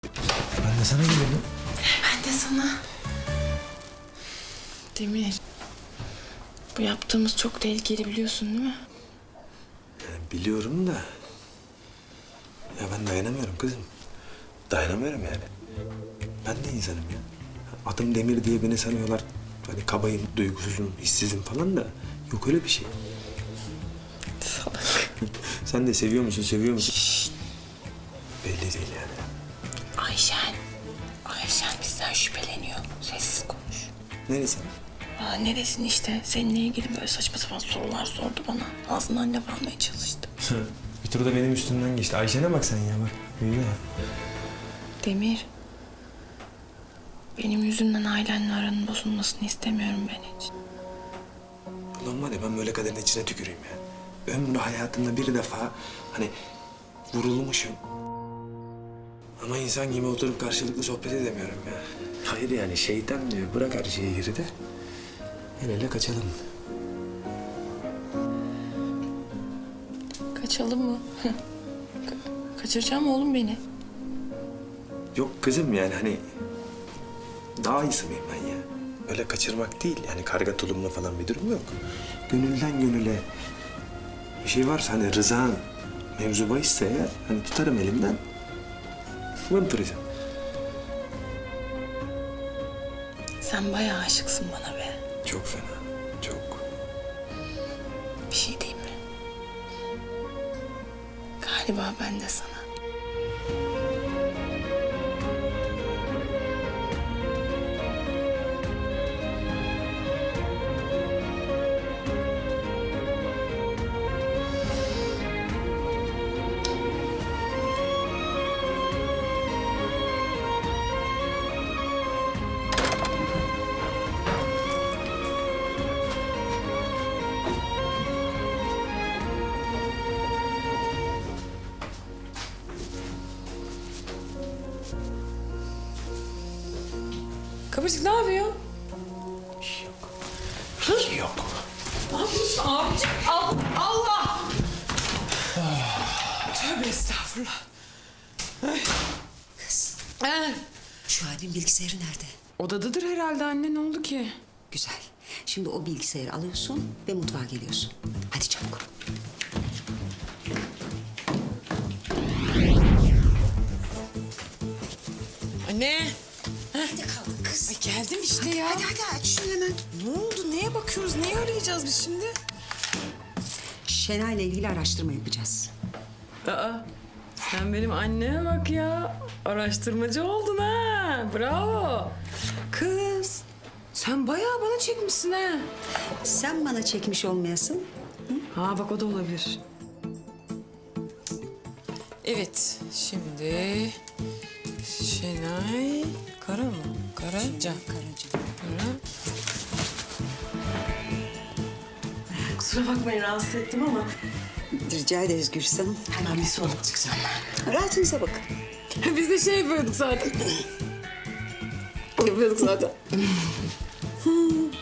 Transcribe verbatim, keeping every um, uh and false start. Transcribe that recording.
Ben de sana geliyordum. Ben de sana. Demir. Bu yaptığımız çok tehlikeli biliyorsun değil mi? Yani biliyorum da... Ya ben dayanamıyorum kızım. Dayanamıyorum yani. Ben de insanım ya. Adım Demir diye beni sanıyorlar. Hani kabayım, duygusuzum, hissizim falan da... Yok öyle bir şey. Salak. Sen de seviyor musun, seviyor musun? Şşt. Belli değil yani. Ayşen. Ayşen bizden şüpheleniyor. Sessiz konuş. Neresi? Aa, neresin işte? Seninle ilgili böyle saçma sapan sorular sordu bana. Ağzından laf almaya çalıştı. Bir tur da benim üstümden geçti. Ayşe'ne bak sen ya bak. Büyüdü ya. Demir. Benim yüzümden ailenle aranın bozulmasını istemiyorum ben hiç. Ulan var ya ben böyle kaderin içine tüküreyim ya. Ömrü hayatımda bir defa hani vurulmuşum. Ama insan gibi oturup karşılıklı sohbet edemiyorum ya. Hayır yani şeytan diyor bırak her şeyi geride. El ele kaçalım. Kaçalım mı? Ka- kaçıracağım oğlum beni. Yok kızım yani hani daha iyisi miyim ben ya? Öyle kaçırmak değil yani karga tulumla falan bir durum yok. Gönülden gönüle bir şey varsa hani rızan mevzu bahisse eğer hani tutarım elimden. Vınturizm. Sen bayağı aşıksın bana be. Çok fena, çok. Bir şey diyeyim mi? Galiba ben de sana. Kıvırcık ne yapıyor? Bir şey yok. Bir şey yok. Ne yapıyorsun abicim? Al, Allah! Tövbe estağfurullah. Kız, Ee, şu halin bilgisayarı nerede? odadadır herhalde anne, ne oldu ki? Güzel. Şimdi o bilgisayarı alıyorsun ve mutfağa geliyorsun. Hadi çabuk. Anne! Hadi kaldın kız. Ay geldim işte ya. Hadi hadi aç şunu hemen. Ne oldu? Neye bakıyoruz? Neyi arayacağız biz şimdi? Şenay'la ilgili araştırma yapacağız. Aa, sen benim anneme bak ya. Araştırmacı oldun ha. Bravo. Kız, sen bayağı bana çekmişsin ha. Sen bana çekmiş olmayasın. Ha bak o da olabilir. Evet, şimdi Şenay Kara mı? Karaca. Karaca. Kara. Kusura bakmayın rahatsız ettim ama. Rica ederiz Gülsüm. Hemen bir sorup çıkacağım ben. Rahatınıza bakın. Biz de şey yapıyorduk zaten. yapıyorduk zaten.